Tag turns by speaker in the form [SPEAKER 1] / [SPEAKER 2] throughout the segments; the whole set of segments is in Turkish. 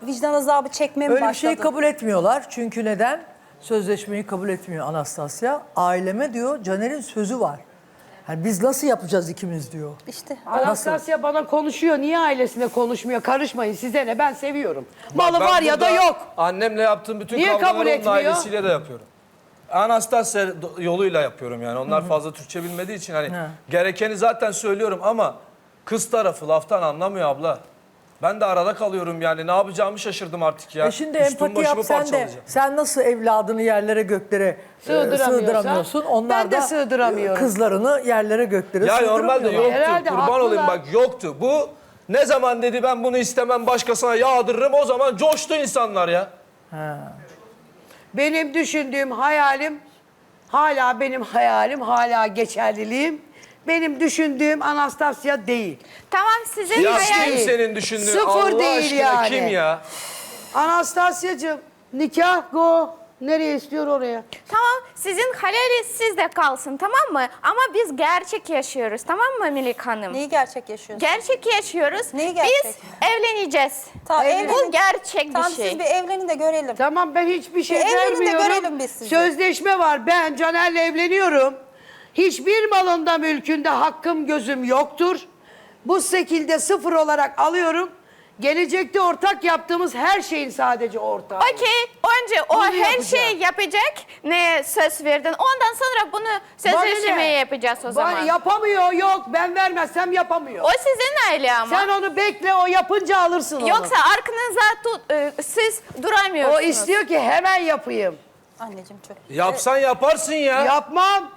[SPEAKER 1] vicdan azabı çekmeye mi
[SPEAKER 2] Öyle bir
[SPEAKER 1] başladın?
[SPEAKER 2] şeyi kabul etmiyorlar. Çünkü neden? Sözleşmeyi kabul etmiyor Anastasya. Aileme diyor Caner'in sözü var. Yani biz nasıl yapacağız ikimiz diyor.
[SPEAKER 1] İşte.
[SPEAKER 3] Anastasya bana konuşuyor. Niye ailesine konuşmuyor? Karışmayın size ne? Ben seviyorum. Malı
[SPEAKER 4] Ben
[SPEAKER 3] var ya da
[SPEAKER 4] burada
[SPEAKER 3] yok.
[SPEAKER 4] Annemle yaptığım bütün
[SPEAKER 3] Niye kabul
[SPEAKER 4] kavgaları onun
[SPEAKER 3] etmiyor?
[SPEAKER 4] ailesiyle de yapıyorum. Anastasya yoluyla yapıyorum yani. Onlar fazla Türkçe bilmediği için hani gerekeni zaten söylüyorum ama kız tarafı laftan anlamıyor abla. Ben de arada kalıyorum yani. Ne yapacağımı şaşırdım artık ya.
[SPEAKER 2] Şimdi
[SPEAKER 4] Üstüm
[SPEAKER 2] empati yap
[SPEAKER 4] başımı
[SPEAKER 2] sen de.
[SPEAKER 4] parçalayacağım.
[SPEAKER 2] Sen nasıl evladını yerlere göklere sığdıramıyorsun. Onlar
[SPEAKER 3] ben de
[SPEAKER 2] da
[SPEAKER 3] sığdıramıyorum.
[SPEAKER 2] kızlarını yerlere göklere
[SPEAKER 4] Ya normalde
[SPEAKER 2] sığdıramıyorlar.
[SPEAKER 4] yoktu.
[SPEAKER 3] Herhalde
[SPEAKER 4] Kurban
[SPEAKER 3] haklılar.
[SPEAKER 4] olayım bak yoktu. Bu ne zaman dedi ben bunu istemem başkasına yağdırırım o zaman coştu insanlar ya.
[SPEAKER 3] Benim düşündüğüm hayalim, hala benim hayalim, hala geçerliliğim. Benim düşündüğüm Anastasya değil.
[SPEAKER 5] Tamam sizin
[SPEAKER 4] Ya
[SPEAKER 5] hayal...
[SPEAKER 4] kim senin düşündüğün
[SPEAKER 3] Sıfır
[SPEAKER 4] Allah
[SPEAKER 3] değil
[SPEAKER 4] aşkına
[SPEAKER 3] yani.
[SPEAKER 4] kim ya?
[SPEAKER 3] Anastasya'cığım nikah go. Nereye istiyor oraya?
[SPEAKER 5] Tamam sizin hayaliniz sizde kalsın tamam mı? Ama biz gerçek yaşıyoruz tamam mı Melek Hanım?
[SPEAKER 1] Neyi gerçek yaşıyorsun?
[SPEAKER 5] Gerçek yaşıyoruz.
[SPEAKER 1] Neyi gerçek?
[SPEAKER 5] Biz evleneceğiz.
[SPEAKER 1] Tamam,
[SPEAKER 5] Bu
[SPEAKER 1] evlenin.
[SPEAKER 5] gerçek
[SPEAKER 1] Tamam
[SPEAKER 5] bir şey.
[SPEAKER 1] siz bir evlenin de görelim.
[SPEAKER 3] Tamam ben hiçbir şey
[SPEAKER 1] evlenin de
[SPEAKER 3] vermiyorum.
[SPEAKER 1] görelim biz sizi.
[SPEAKER 3] Sözleşme var. Ben Caner'le evleniyorum. Hiçbir malında mülkünde hakkım gözüm yoktur. Bu şekilde sıfır olarak alıyorum. Gelecekte ortak yaptığımız her şeyin sadece ortağı.
[SPEAKER 5] Okey. Önce o
[SPEAKER 3] Bunu
[SPEAKER 5] her
[SPEAKER 3] yapacağım.
[SPEAKER 5] şeyi yapacak. Ne söz verdin. Ondan sonra bunu sözleşmeyi yapacağız o zaman.
[SPEAKER 3] Yapamıyor yok. Ben vermezsem yapamıyor.
[SPEAKER 5] O sizin aile ama.
[SPEAKER 3] Sen onu bekle o yapınca alırsın onu.
[SPEAKER 5] Yoksa arkanıza siz duramıyorsunuz.
[SPEAKER 3] O istiyor ki hemen yapayım.
[SPEAKER 1] Anneciğim çok.
[SPEAKER 4] Yapsan yaparsın ya.
[SPEAKER 3] Yapmam.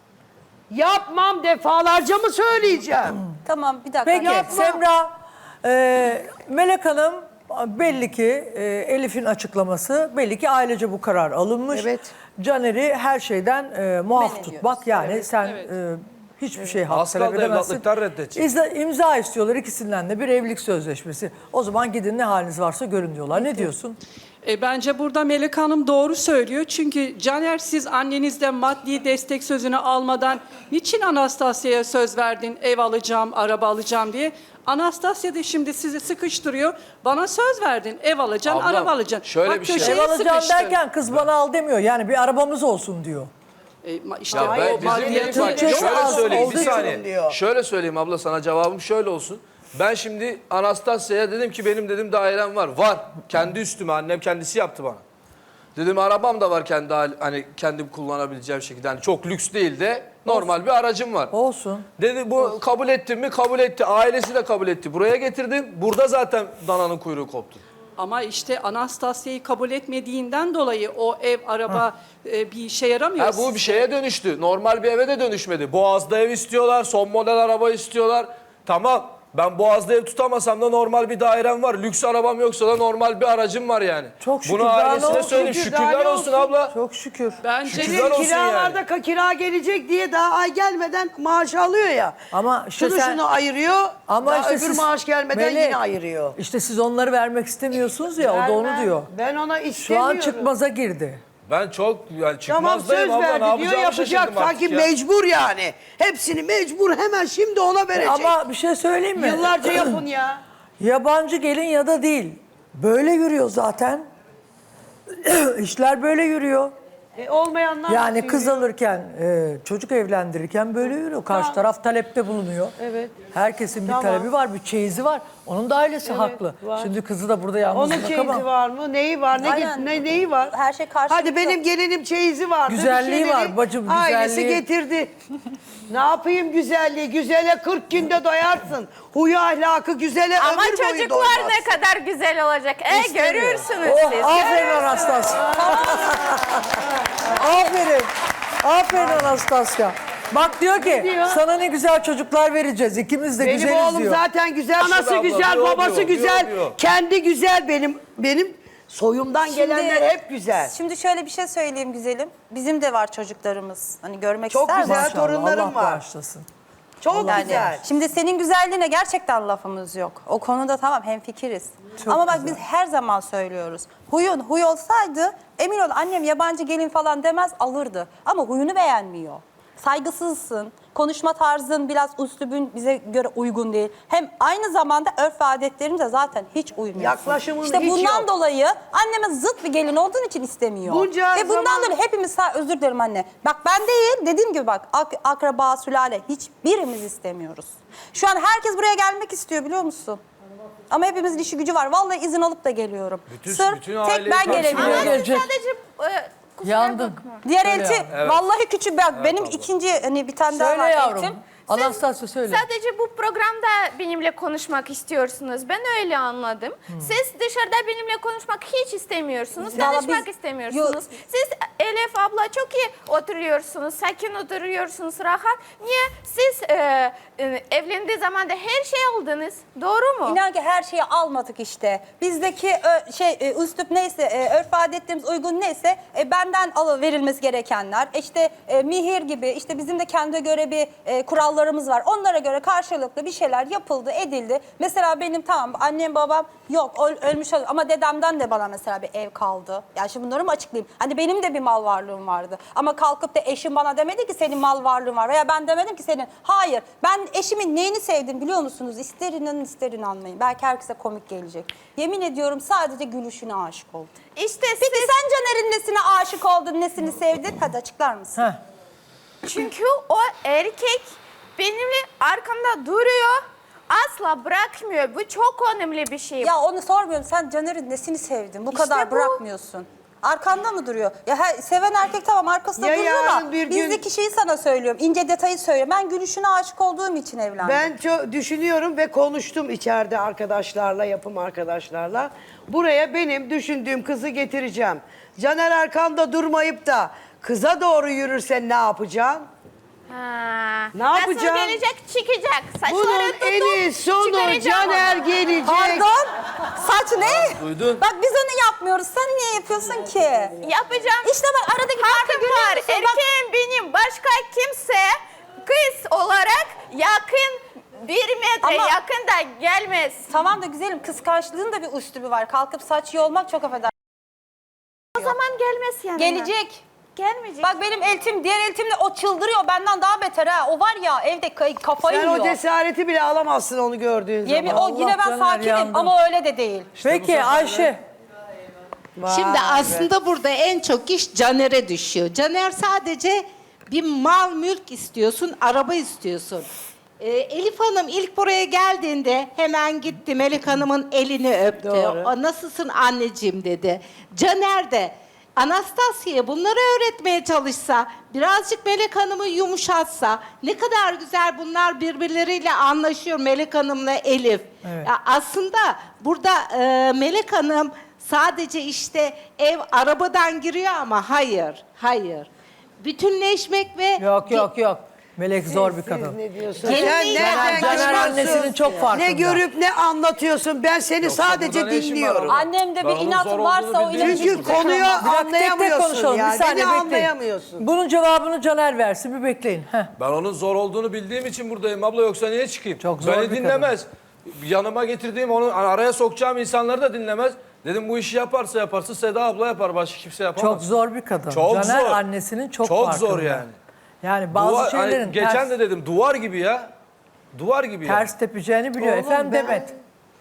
[SPEAKER 3] Yapmam defalarca mı söyleyeceğim?
[SPEAKER 1] Tamam bir dakika.
[SPEAKER 2] Peki
[SPEAKER 3] Yapma.
[SPEAKER 2] Semra, Melek Hanım belli ki Elif'in açıklaması belli ki ailece bu karar alınmış.
[SPEAKER 3] Evet.
[SPEAKER 2] Caner'i her şeyden muaf
[SPEAKER 1] ediyoruz.
[SPEAKER 2] tutmak yani sen hiçbir şey hak
[SPEAKER 4] Az
[SPEAKER 2] talep
[SPEAKER 4] kaldı
[SPEAKER 2] edemezsin.
[SPEAKER 4] evlatlıktan reddedecek.
[SPEAKER 2] İmza istiyorlar ikisinden de bir evlilik sözleşmesi. O zaman gidin ne haliniz varsa görün diyorlar. Ne diyorsun?
[SPEAKER 6] Bence burada Melek Hanım doğru söylüyor. Çünkü Caner siz annenizden maddi destek sözünü almadan niçin Anastasya'ya söz verdin ev alacağım, araba alacağım diye. Anastasya da şimdi sizi sıkıştırıyor. Bana söz verdin ev alacaksın,
[SPEAKER 4] Ablam,
[SPEAKER 6] araba alacaksın.
[SPEAKER 4] şöyle
[SPEAKER 6] Bak,
[SPEAKER 4] bir şey.
[SPEAKER 6] köşeye
[SPEAKER 2] Ev alacağım
[SPEAKER 6] sıkıştı.
[SPEAKER 2] derken kız bana al demiyor. Yani bir arabamız olsun diyor.
[SPEAKER 6] İşte
[SPEAKER 4] Ya ben
[SPEAKER 6] o maddiyatı
[SPEAKER 4] bak,
[SPEAKER 2] çok
[SPEAKER 4] şöyle
[SPEAKER 2] az
[SPEAKER 4] söyleyeyim
[SPEAKER 2] olduğu
[SPEAKER 4] bir
[SPEAKER 2] için
[SPEAKER 4] saniye.
[SPEAKER 3] diyor.
[SPEAKER 4] Şöyle söyleyeyim abla sana cevabım şöyle olsun. Ben şimdi Anastasya'ya dedim ki benim dedim dairem var. Var. Kendi üstüme annem kendisi yaptı bana. Dedim arabam da var kendi hani kendim kullanabileceğim şekilde. Yani çok lüks değil de normal bir aracım var.
[SPEAKER 2] Olsun.
[SPEAKER 4] Dedi bu kabul ettin mi? Kabul etti. Ailesi de kabul etti. Buraya getirdim. Burada zaten dananın kuyruğu koptu.
[SPEAKER 6] Ama işte Anastasya'yı kabul etmediğinden dolayı o ev, araba bir işe yaramıyor.
[SPEAKER 4] Ha, bu bir şeye dönüştü. Normal bir eve de dönüşmedi. Boğaz'da ev istiyorlar. Son model araba istiyorlar. Tamam. Ben Boğaz'da ev tutamasam da normal bir dairem var. Lüks arabam yoksa da normal bir aracım var yani.
[SPEAKER 2] Çok şükür,
[SPEAKER 4] Bunu
[SPEAKER 2] daha ne
[SPEAKER 4] ailesine
[SPEAKER 2] olsun?
[SPEAKER 4] söyleyeyim.
[SPEAKER 3] Şükür, daha
[SPEAKER 4] Şükürler
[SPEAKER 3] ne
[SPEAKER 4] olsun
[SPEAKER 3] olsun?
[SPEAKER 4] abla.
[SPEAKER 2] Çok şükür.
[SPEAKER 6] Bence
[SPEAKER 4] Şükürler olsun
[SPEAKER 3] Kiralarda kira gelecek diye daha ay gelmeden maaş alıyor ya.
[SPEAKER 2] Ama işte
[SPEAKER 3] şunu
[SPEAKER 2] sen-
[SPEAKER 3] şunu ayırıyor.
[SPEAKER 2] Ama
[SPEAKER 3] Daha
[SPEAKER 2] işte
[SPEAKER 3] öbür
[SPEAKER 2] siz-
[SPEAKER 3] maaş gelmeden
[SPEAKER 2] Melek,
[SPEAKER 3] yine ayırıyor.
[SPEAKER 2] İşte siz onları vermek istemiyorsunuz ya o da onu
[SPEAKER 3] Vermem.
[SPEAKER 2] diyor.
[SPEAKER 3] Ben ona
[SPEAKER 2] Şu
[SPEAKER 3] istemiyorum.
[SPEAKER 2] an çıkmaza girdi.
[SPEAKER 4] Ben çok yani
[SPEAKER 3] Tamam
[SPEAKER 4] çıkmazdayım
[SPEAKER 3] söz
[SPEAKER 4] abla. Ne
[SPEAKER 3] verdi diyor
[SPEAKER 4] yapacağımı
[SPEAKER 3] yapacak.
[SPEAKER 4] şaşırdım artık
[SPEAKER 3] Sanki
[SPEAKER 4] ya.
[SPEAKER 3] mecbur yani. Hepsini mecbur hemen şimdi ona verecek.
[SPEAKER 2] Ama bir şey söyleyeyim mi?
[SPEAKER 3] Yıllarca yapın ya.
[SPEAKER 2] Yabancı gelin ya da değil. Böyle yürüyor zaten. İşler böyle yürüyor.
[SPEAKER 3] Olmayanlar
[SPEAKER 2] Yani
[SPEAKER 3] nasıl
[SPEAKER 2] kız
[SPEAKER 3] yürüyor?
[SPEAKER 2] alırken, çocuk evlendirirken böyle yürüyor. Karşı taraf talepte bulunuyor.
[SPEAKER 3] Evet.
[SPEAKER 2] Herkesin bir
[SPEAKER 3] Tamam.
[SPEAKER 2] talebi var, bir çeyizi var. Onun da ailesi haklı.
[SPEAKER 3] var.
[SPEAKER 2] Şimdi kızı da burada yalnız
[SPEAKER 3] Onun
[SPEAKER 2] bırakamam.
[SPEAKER 3] çeyizi var mı? Neyi var?
[SPEAKER 1] Aynen.
[SPEAKER 3] Neyi var?
[SPEAKER 1] Her şey karşılıklı.
[SPEAKER 3] Hadi benim gelinim çeyizi vardı.
[SPEAKER 2] Güzelliği
[SPEAKER 3] bir şeyleri
[SPEAKER 2] var bacım,
[SPEAKER 3] Ailesi
[SPEAKER 2] güzelliği.
[SPEAKER 3] getirdi. Ne yapayım güzelliği? Güzele 40 günde doyarsın. Huyu ahlakı güzele
[SPEAKER 5] Ama
[SPEAKER 3] ömür boyu
[SPEAKER 5] çocuklar
[SPEAKER 3] doymaz.
[SPEAKER 5] ne kadar güzel olacak.
[SPEAKER 3] İstemiyor.
[SPEAKER 5] Görürsünüz
[SPEAKER 2] Oh,
[SPEAKER 5] siz.
[SPEAKER 2] aferin Anastasya. Aferin. Aferin Anastasya. Bak diyor ki
[SPEAKER 3] diyor?
[SPEAKER 2] sana ne güzel çocuklar vereceğiz. İkimiz de
[SPEAKER 3] Benim
[SPEAKER 2] güzeliz
[SPEAKER 3] oğlum
[SPEAKER 2] diyor.
[SPEAKER 3] zaten güzel. Anası
[SPEAKER 4] abla,
[SPEAKER 3] güzel,
[SPEAKER 4] diyor,
[SPEAKER 3] babası
[SPEAKER 4] diyor,
[SPEAKER 3] güzel.
[SPEAKER 4] diyor.
[SPEAKER 3] Kendi güzel benim soyumdan gelenler hep güzel.
[SPEAKER 1] Şimdi şöyle bir şey söyleyeyim güzelim. Bizim de var çocuklarımız. Hani görmek
[SPEAKER 3] Çok
[SPEAKER 1] ister
[SPEAKER 3] güzel
[SPEAKER 1] misin?
[SPEAKER 3] torunlarım
[SPEAKER 2] Allah
[SPEAKER 3] var.
[SPEAKER 2] bağışlasın.
[SPEAKER 3] Çok
[SPEAKER 1] Yani
[SPEAKER 3] güzel.
[SPEAKER 1] şimdi senin güzelliğine gerçekten lafımız yok. O konuda tamam hemfikiriz. Ama bak biz her zaman söylüyoruz. Huyun huy olsaydı emin ol annem yabancı gelin falan demez alırdı. Ama huyunu beğenmiyor. saygısızsın. Konuşma tarzın, biraz üslubun bize göre uygun değil. Hem aynı zamanda örf ve adetlerimize zaten hiç uymuyorsun.
[SPEAKER 3] Yaklaşımın
[SPEAKER 1] İşte
[SPEAKER 3] hiç
[SPEAKER 1] bundan
[SPEAKER 3] yok.
[SPEAKER 1] dolayı anneme zıt bir gelin olduğun için istemiyor.
[SPEAKER 3] Bunca
[SPEAKER 1] Ve bundan
[SPEAKER 3] zaman-
[SPEAKER 1] dolayı hepimiz, özür dilerim anne. Bak ben değil, dediğim gibi bak akraba, sülale hiçbirimiz istemiyoruz. Şu an herkes buraya gelmek istiyor biliyor musun? Ama hepimizin işi gücü var. Vallahi izin alıp da geliyorum.
[SPEAKER 4] Bütün
[SPEAKER 1] Sırf
[SPEAKER 4] aileyi
[SPEAKER 1] tek ben
[SPEAKER 4] karşılıyor.
[SPEAKER 1] gelebiliyorum.
[SPEAKER 5] Ama siz
[SPEAKER 2] Gelecek.
[SPEAKER 5] sadece kusura
[SPEAKER 2] Yandın.
[SPEAKER 5] bakma.
[SPEAKER 1] Diğer
[SPEAKER 2] Söyle
[SPEAKER 1] elti,
[SPEAKER 2] yavrum.
[SPEAKER 1] vallahi küçük bak benim
[SPEAKER 4] abla.
[SPEAKER 1] ikinci hani bir tane daha
[SPEAKER 2] Söyle
[SPEAKER 1] var
[SPEAKER 2] yavrum.
[SPEAKER 1] eltim.
[SPEAKER 2] Anastasya söyle.
[SPEAKER 5] Sadece bu programda benimle konuşmak istiyorsunuz. Ben öyle anladım. Siz dışarıda benimle konuşmak hiç istemiyorsunuz.
[SPEAKER 1] Vallahi
[SPEAKER 5] Tanışmak
[SPEAKER 1] biz-
[SPEAKER 5] istemiyorsunuz. Siz Elif abla çok iyi oturuyorsunuz. Sakin oturuyorsunuz, rahat. Niye? Siz evlendiği zaman da her şey aldınız. Doğru mu?
[SPEAKER 1] İnan ki her şeyi almadık işte. Bizdeki üslup neyse, örf adetlerimiz uygun neyse benden verilmesi gerekenler. İşte mihir gibi, işte bizim de kendine göre bir kurallarımız var. Onlara göre karşılıklı bir şeyler yapıldı, edildi. Mesela benim tamam annem babam yok ölmüş ama dedemden de bana mesela bir ev kaldı. Yani şimdi bunları mı açıklayayım? Hani benim de bir mal varlığım vardı. Ama kalkıp da eşim bana demedi ki senin mal varlığın var. Veya ben demedim ki senin. Hayır. Ben eşimin neyini sevdim biliyor musunuz? İster inanın ister inanmayın. Belki herkese komik gelecek. Yemin ediyorum sadece gülüşüne aşık oldum.
[SPEAKER 5] İşte
[SPEAKER 1] Peki
[SPEAKER 5] siz...
[SPEAKER 1] sen Caner'in nesine aşık oldun, nesini sevdin? Hadi açıklar mısın?
[SPEAKER 2] Heh.
[SPEAKER 5] Çünkü o erkek benimle arkamda duruyor. Asla bırakmıyor. Bu çok önemli bir şey.
[SPEAKER 1] Ya onu sormuyorum. Sen Caner'in nesini sevdin? Bu
[SPEAKER 5] İşte
[SPEAKER 1] kadar
[SPEAKER 5] bu.
[SPEAKER 1] bırakmıyorsun. Arkanda mı duruyor? Ya seven erkek tamam arkasında
[SPEAKER 3] Ya
[SPEAKER 1] duruyor
[SPEAKER 3] yarın
[SPEAKER 1] da
[SPEAKER 3] bir gün-
[SPEAKER 1] bizdeki şeyi sana söylüyorum. İnce detayı söylüyorum. Ben gülüşüne aşık olduğum için evlendim.
[SPEAKER 3] Ben çok düşünüyorum ve konuştum içeride arkadaşlarla, yapım arkadaşlarla. Buraya benim düşündüğüm kızı getireceğim. Caner arkanda durmayıp da kıza doğru yürürsen ne yapacaksın?
[SPEAKER 5] Ha.
[SPEAKER 3] Ne yapacağım?
[SPEAKER 5] Nasıl gelecek? Çıkacak. Saçları
[SPEAKER 3] Bunun
[SPEAKER 5] tutup
[SPEAKER 3] eni sonu
[SPEAKER 5] çıkaracağım
[SPEAKER 3] Caner
[SPEAKER 5] onu.
[SPEAKER 3] gelecek.
[SPEAKER 1] Pardon? Saç ne?
[SPEAKER 4] duydun.
[SPEAKER 1] Bak biz onu yapmıyoruz. Sen niye yapıyorsun ki?
[SPEAKER 5] Yapacağım.
[SPEAKER 1] İşte bak aradaki farkı
[SPEAKER 5] Hakkım
[SPEAKER 1] görüyor
[SPEAKER 5] var.
[SPEAKER 1] musun? Bak,
[SPEAKER 5] Erkeğim benim. Başka kimse kız olarak yakın 1 metre
[SPEAKER 1] Ama-
[SPEAKER 5] yakın da gelmez.
[SPEAKER 1] tamam da güzelim kıskançlığın da bir üslubu var. Kalkıp saç yolmak çok affedersin.
[SPEAKER 5] O zaman gelmez yanına.
[SPEAKER 1] Gelecek.
[SPEAKER 5] Gelmeyecek.
[SPEAKER 1] Bak benim eltim, diğer eltimle o çıldırıyor. Benden daha beter ha. O var ya evde kafayı
[SPEAKER 3] Sen
[SPEAKER 1] yiyor.
[SPEAKER 3] o cesareti bile alamazsın onu gördüğün
[SPEAKER 1] Yemin,
[SPEAKER 3] zaman.
[SPEAKER 1] o yine ben
[SPEAKER 2] Caner
[SPEAKER 1] sakinim
[SPEAKER 2] yandı.
[SPEAKER 1] ama öyle de değil.
[SPEAKER 2] Peki Ayşe.
[SPEAKER 7] Şimdi aslında burada en çok iş Caner'e düşüyor. Caner sadece bir mal mülk istiyorsun, araba istiyorsun. Elif Hanım ilk buraya geldiğinde hemen gitti Melek Hanım'ın elini öptü.
[SPEAKER 3] Doğru.
[SPEAKER 7] O, nasılsın anneciğim dedi. Caner de Anastasya'ya bunları öğretmeye çalışsa, birazcık Melek Hanım'ı yumuşatsa, ne kadar güzel bunlar birbirleriyle anlaşıyor Melek Hanım'la Elif.
[SPEAKER 2] Evet.
[SPEAKER 7] Ya aslında burada Melek Hanım sadece işte ev arabadan giriyor ama hayır. Bütünleşmek ve
[SPEAKER 2] Yok. Melek zor bir kadın.
[SPEAKER 3] Siz ne diyorsun?
[SPEAKER 7] Gelin
[SPEAKER 3] Sen
[SPEAKER 7] değil,
[SPEAKER 3] nereden
[SPEAKER 2] Caner
[SPEAKER 3] kaçmışsın?
[SPEAKER 2] annesinin çok farkında.
[SPEAKER 3] Ne görüp ne anlatıyorsun? Ben seni
[SPEAKER 4] Yoksa
[SPEAKER 3] sadece
[SPEAKER 4] burada ne işin var
[SPEAKER 3] dinliyorum.
[SPEAKER 4] orada?
[SPEAKER 1] Annemde
[SPEAKER 4] Ben
[SPEAKER 1] bir
[SPEAKER 4] onun
[SPEAKER 1] inatı
[SPEAKER 4] zor
[SPEAKER 1] varsa
[SPEAKER 4] olduğunu
[SPEAKER 1] o
[SPEAKER 4] bildiğim
[SPEAKER 1] inatı
[SPEAKER 4] için
[SPEAKER 3] Çünkü
[SPEAKER 1] hiçbir
[SPEAKER 3] konuyu
[SPEAKER 1] zaman-
[SPEAKER 2] Bir dakika, tek tek
[SPEAKER 3] anlayamıyorsun
[SPEAKER 2] konuşalım.
[SPEAKER 3] yani.
[SPEAKER 2] Bir saniye
[SPEAKER 3] Beni
[SPEAKER 2] bekleyin.
[SPEAKER 3] anlayamıyorsun.
[SPEAKER 2] Bunun cevabını Caner versin. Bir bekleyin. Heh.
[SPEAKER 4] Ben onun zor olduğunu bildiğim için buradayım abla, yoksa niye çıkayım?
[SPEAKER 2] Çok zor
[SPEAKER 4] Beni
[SPEAKER 2] bir
[SPEAKER 4] dinlemez. Yanıma getirdiğim, onu araya sokacağım insanları da dinlemez. Dedim bu işi yaparsa Seda abla yapar, başka kimse yapamaz.
[SPEAKER 2] Çok zor bir kadın.
[SPEAKER 4] Çok
[SPEAKER 2] Caner
[SPEAKER 4] zor.
[SPEAKER 2] annesinin çok
[SPEAKER 4] Çok
[SPEAKER 2] farkında.
[SPEAKER 4] zor yani.
[SPEAKER 2] Yani bazı
[SPEAKER 4] Duvar, hani
[SPEAKER 2] şeylerin
[SPEAKER 4] geçen de dedim duvar gibi ya. Duvar gibi ya.
[SPEAKER 2] ters tepeceğini biliyor.
[SPEAKER 3] Oğlum
[SPEAKER 2] Efendim
[SPEAKER 3] ben-
[SPEAKER 2] Demet.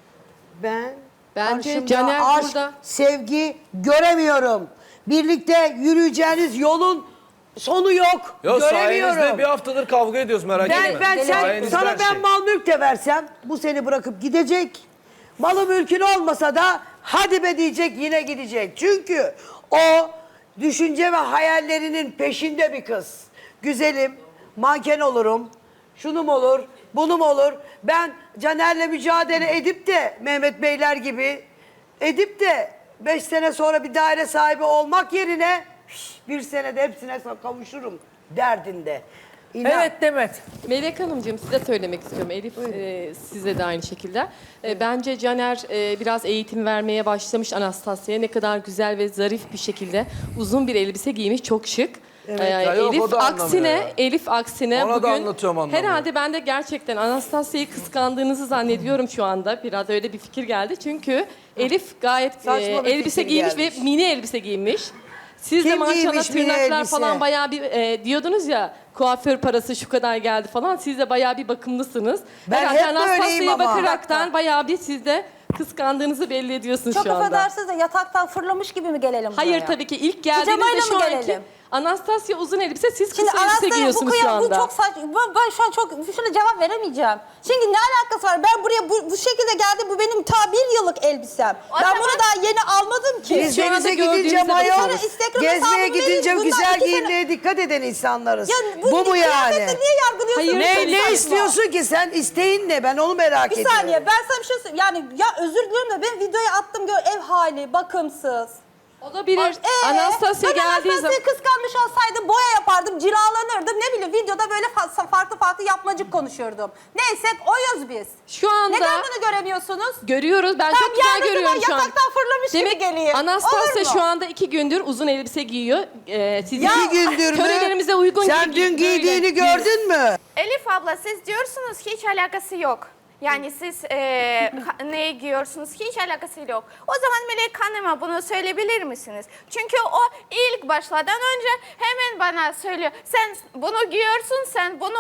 [SPEAKER 3] Ben
[SPEAKER 8] Bence
[SPEAKER 3] karşımda
[SPEAKER 8] Caner
[SPEAKER 3] aşk,
[SPEAKER 8] burada-
[SPEAKER 3] sevgi göremiyorum. Birlikte yürüyeceğiniz yolun sonu yok.
[SPEAKER 4] Ya sayenizde
[SPEAKER 3] Göremiyorum.
[SPEAKER 4] bir haftadır kavga ediyoruz, merak etme.
[SPEAKER 3] Ben
[SPEAKER 4] Sayenizde
[SPEAKER 3] sana
[SPEAKER 4] her
[SPEAKER 3] ben
[SPEAKER 4] şey.
[SPEAKER 3] mal mülk de versem bu seni bırakıp gidecek. Malı mülkün olmasa da hadi be diyecek, yine gidecek. Çünkü o düşünce ve hayallerinin peşinde bir kız. Güzelim, manken olurum, şunum olur, bunum olur. Ben Caner'le mücadele edip de Mehmet Beyler gibi edip de 5 sene sonra bir daire sahibi olmak yerine bir senede hepsine kavuşurum derdinde. İnan.
[SPEAKER 2] Evet Demet.
[SPEAKER 8] Melek Hanımcığım size söylemek istiyorum. Elif size de aynı şekilde. Bence Caner biraz eğitim vermeye başlamış Anastasya'ya. Ne kadar güzel ve zarif bir şekilde uzun bir elbise giymiş. Çok şık.
[SPEAKER 4] Ya yok, o da anlamıyor ya.
[SPEAKER 8] Elif aksine
[SPEAKER 4] Ona da
[SPEAKER 8] bugün
[SPEAKER 4] anlatıyorum, anlamıyor.
[SPEAKER 8] herhalde ben de gerçekten Anastasya'yı kıskandığınızı zannediyorum şu anda. Biraz öyle bir fikir geldi. Çünkü Elif gayet
[SPEAKER 3] Saçma bir
[SPEAKER 8] elbise
[SPEAKER 3] fikir
[SPEAKER 8] giymiş
[SPEAKER 3] gelmiş.
[SPEAKER 8] ve mini elbise giymiş. Siz de
[SPEAKER 3] Kim
[SPEAKER 8] maşallah
[SPEAKER 3] giymiş mini
[SPEAKER 8] tırnaklar
[SPEAKER 3] elbise?
[SPEAKER 8] falan bayağı bir diyordunuz ya kuaför parası şu kadar geldi falan. Siz de bayağı bir bakımlısınız.
[SPEAKER 3] Ben
[SPEAKER 8] Herhalde
[SPEAKER 3] hep böyleyim
[SPEAKER 8] Anastasya'ya
[SPEAKER 3] ama.
[SPEAKER 8] bakaraktan bayağı bir siz de kıskandığınızı belli ediyorsunuz
[SPEAKER 1] Çok
[SPEAKER 8] şu anda.
[SPEAKER 1] affedersiniz de yataktan fırlamış gibi mi gelelim buraya?
[SPEAKER 8] Hayır tabii ki ilk geldiğinizde
[SPEAKER 1] Pijamayla
[SPEAKER 8] şu
[SPEAKER 1] mı
[SPEAKER 8] anki
[SPEAKER 1] gelelim?
[SPEAKER 8] Anastasya uzun elbise, siz
[SPEAKER 1] Şimdi
[SPEAKER 8] kısa elbise
[SPEAKER 1] Anastasya bu
[SPEAKER 8] giyiyorsunuz şu
[SPEAKER 1] kıyam, bu
[SPEAKER 8] anda.
[SPEAKER 1] çok saçma. Ben şu an şuna cevap veremeyeceğim. Çünkü ne alakası var? Ben buraya bu şekilde geldim. Bu benim ta 1 yıllık elbisem.
[SPEAKER 5] O
[SPEAKER 1] Ben
[SPEAKER 5] zaman-
[SPEAKER 1] bunu daha yeni almadım ki.
[SPEAKER 3] Biz
[SPEAKER 8] Şu anda
[SPEAKER 3] denize gidince
[SPEAKER 8] gördüğünüzde
[SPEAKER 3] mayo,
[SPEAKER 1] bakın. Instagram
[SPEAKER 3] gezmeye
[SPEAKER 1] hesabımı
[SPEAKER 3] gidince
[SPEAKER 1] verin. Bundan
[SPEAKER 3] güzel
[SPEAKER 1] 2 sene-
[SPEAKER 3] giyinmeye dikkat eden insanlarız.
[SPEAKER 1] Ya
[SPEAKER 3] Bu mu yani?
[SPEAKER 1] kıyafetle niye yargılıyorsun?
[SPEAKER 8] Hayır,
[SPEAKER 3] Ne,
[SPEAKER 8] tabii
[SPEAKER 3] ne
[SPEAKER 8] saçma.
[SPEAKER 3] istiyorsun ki sen? İsteğin ne? Ben onu merak
[SPEAKER 1] Bir
[SPEAKER 3] ediyorum.
[SPEAKER 1] saniye ben sana bir şey söyleyeyim. Yani ya özür diliyorum da ben videoyu attım gör ev hali bakımsız.
[SPEAKER 8] Olabilir. Anastasya
[SPEAKER 1] ben
[SPEAKER 8] geldiği
[SPEAKER 1] Anastasya'yı
[SPEAKER 8] zaman...
[SPEAKER 1] kıskanmış olsaydım boya yapardım, cilalanırdım. Ne bileyim videoda böyle farklı yapmacık konuşurdum. Neyse oyuz biz.
[SPEAKER 8] Şu anda
[SPEAKER 1] Neden bunu göremiyorsunuz?
[SPEAKER 8] görüyoruz. Ben
[SPEAKER 1] Tam
[SPEAKER 8] çok güzel
[SPEAKER 1] geldiği zaman
[SPEAKER 8] görüyorum şu an.
[SPEAKER 1] yataktan fırlamış gibi
[SPEAKER 8] Demek
[SPEAKER 1] geleyim.
[SPEAKER 8] Anastasya
[SPEAKER 1] Olur mu?
[SPEAKER 8] şu anda 2 gündür uzun elbise giyiyor. Sizin
[SPEAKER 3] 2 gündür mü?
[SPEAKER 8] törelerimize uygun
[SPEAKER 3] Sen
[SPEAKER 8] gibi
[SPEAKER 3] dün giydiğini
[SPEAKER 8] böyle
[SPEAKER 3] gördün mü?
[SPEAKER 5] Elif abla siz diyorsunuz hiç alakası yok. Yani siz ne giyiyorsunuz hiç alakası yok. O zaman Melek Hanım'a bunu söyleyebilir misiniz? Çünkü o ilk başladan önce hemen bana söylüyor. Sen bunu giyiyorsun, sen bunu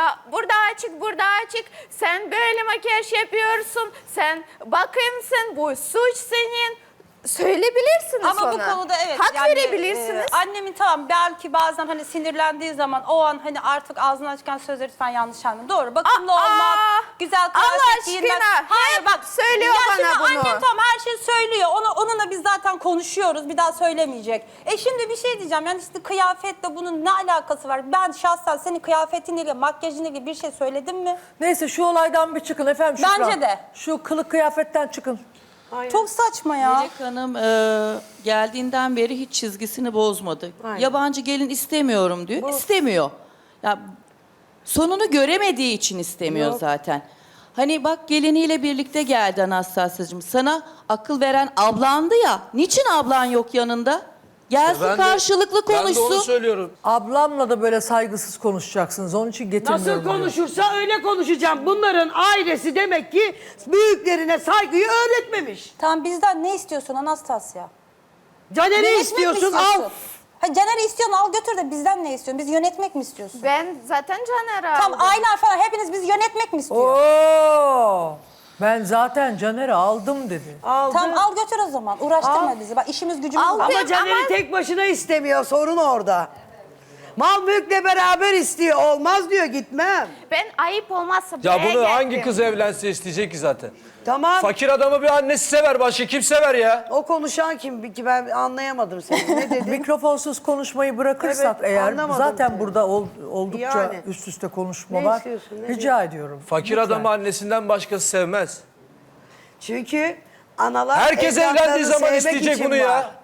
[SPEAKER 5] burada açık, sen böyle makyaj yapıyorsun, sen bakımsın, bu suç senin. Söyleyebilirsiniz
[SPEAKER 1] Ama
[SPEAKER 5] ona.
[SPEAKER 1] bu konuda evet.
[SPEAKER 5] Hak
[SPEAKER 1] yani,
[SPEAKER 5] verebilirsiniz.
[SPEAKER 1] Annemin tamam belki bazen hani sinirlendiği zaman o an hani artık ağzından çıkan sözleri lütfen yanlış anlamayın. Doğru bakımlı olmak, güzel
[SPEAKER 5] Allah
[SPEAKER 1] kıyafet giyinmek.
[SPEAKER 5] aşkına,
[SPEAKER 1] Hayır
[SPEAKER 5] hep
[SPEAKER 1] bak
[SPEAKER 5] söylüyor
[SPEAKER 1] ya
[SPEAKER 5] bana
[SPEAKER 1] şimdi
[SPEAKER 5] bunu.
[SPEAKER 1] Annem tamam her şeyi söylüyor. Onunla biz zaten konuşuyoruz. Bir daha söylemeyecek. Şimdi bir şey diyeceğim. Yani işte kıyafetle bunun ne alakası var? Ben şahsen senin kıyafetinle ilgili, makyajınla ilgili bir şey söyledim mi?
[SPEAKER 2] Neyse şu olaydan bir çıkın efendim Şükran.
[SPEAKER 1] Bence de.
[SPEAKER 2] Şu kılık kıyafetten çıkın.
[SPEAKER 1] Çok saçma ya.
[SPEAKER 9] Melek Hanım geldiğinden beri hiç çizgisini bozmadı.
[SPEAKER 3] Aynen.
[SPEAKER 9] Yabancı gelin istemiyorum diyor. İstemiyor. Ya sonunu göremediği için istemiyor zaten. Hani bak geliniyle birlikte geldi Anastasya'cığım. Sana akıl veren ablandı ya. Niçin ablan yok yanında? Gelsin
[SPEAKER 4] Ben de-
[SPEAKER 9] karşılıklı
[SPEAKER 4] Ben de onu
[SPEAKER 9] konuşsun.
[SPEAKER 4] söylüyorum.
[SPEAKER 2] Ablamla da böyle saygısız konuşacaksınız. Onun için getirmiyorum.
[SPEAKER 3] Nasıl
[SPEAKER 2] bunu.
[SPEAKER 3] konuşursa öyle konuşacağım. Bunların ailesi demek ki büyüklerine saygıyı öğretmemiş.
[SPEAKER 1] Tamam bizden ne istiyorsun Anastasya?
[SPEAKER 3] Caner'i
[SPEAKER 1] Yönetmek mi
[SPEAKER 3] istiyorsun al.
[SPEAKER 1] Ha, Caner'i istiyorsun al götür de bizden ne istiyorsun? Biz yönetmek mi istiyorsun?
[SPEAKER 5] Ben zaten Caner'i aldım.
[SPEAKER 1] Tamam ailen falan hepiniz biz yönetmek mi istiyoruz?
[SPEAKER 2] Oo! Ben zaten Caner'i aldım dedi.
[SPEAKER 3] Aldı.
[SPEAKER 1] Tamam al götür o zaman. Uğraştırma
[SPEAKER 3] Al.
[SPEAKER 1] bizi. Bak işimiz gücümüz
[SPEAKER 5] Al.
[SPEAKER 1] var.
[SPEAKER 3] Ama
[SPEAKER 5] Ama-
[SPEAKER 3] Caner'i tek başına istemiyor. Sorun orada. Mal mülkle beraber istiyor. Olmaz diyor gitmem.
[SPEAKER 5] Ben ayıp olmazsa
[SPEAKER 4] Ya
[SPEAKER 5] buraya
[SPEAKER 4] bunu hangi
[SPEAKER 5] geldim.
[SPEAKER 4] kız evlense isteyecek ki zaten?
[SPEAKER 3] Tamam.
[SPEAKER 4] Fakir adamı bir annesi sever, başka kim sever ya?
[SPEAKER 3] O konuşan kim ki ben anlayamadım seni. Ne dedin?
[SPEAKER 2] Mikrofonsuz konuşmayı bırakırsak
[SPEAKER 3] Evet,
[SPEAKER 2] eğer
[SPEAKER 3] anlamadım
[SPEAKER 2] zaten
[SPEAKER 3] seni.
[SPEAKER 2] burada oldukça
[SPEAKER 3] Yani.
[SPEAKER 2] üst üste konuşma
[SPEAKER 3] Ne
[SPEAKER 2] var.
[SPEAKER 3] istiyorsun, ne
[SPEAKER 2] Rica
[SPEAKER 3] diyorsun?
[SPEAKER 2] ediyorum.
[SPEAKER 4] Fakir
[SPEAKER 2] Lütfen.
[SPEAKER 4] adamı annesinden başkası sevmez.
[SPEAKER 3] Çünkü analar
[SPEAKER 4] Herkes
[SPEAKER 3] evlatlarını
[SPEAKER 4] evlendiği zaman
[SPEAKER 3] sevmek
[SPEAKER 4] isteyecek
[SPEAKER 3] için
[SPEAKER 4] bunu ya.
[SPEAKER 3] var.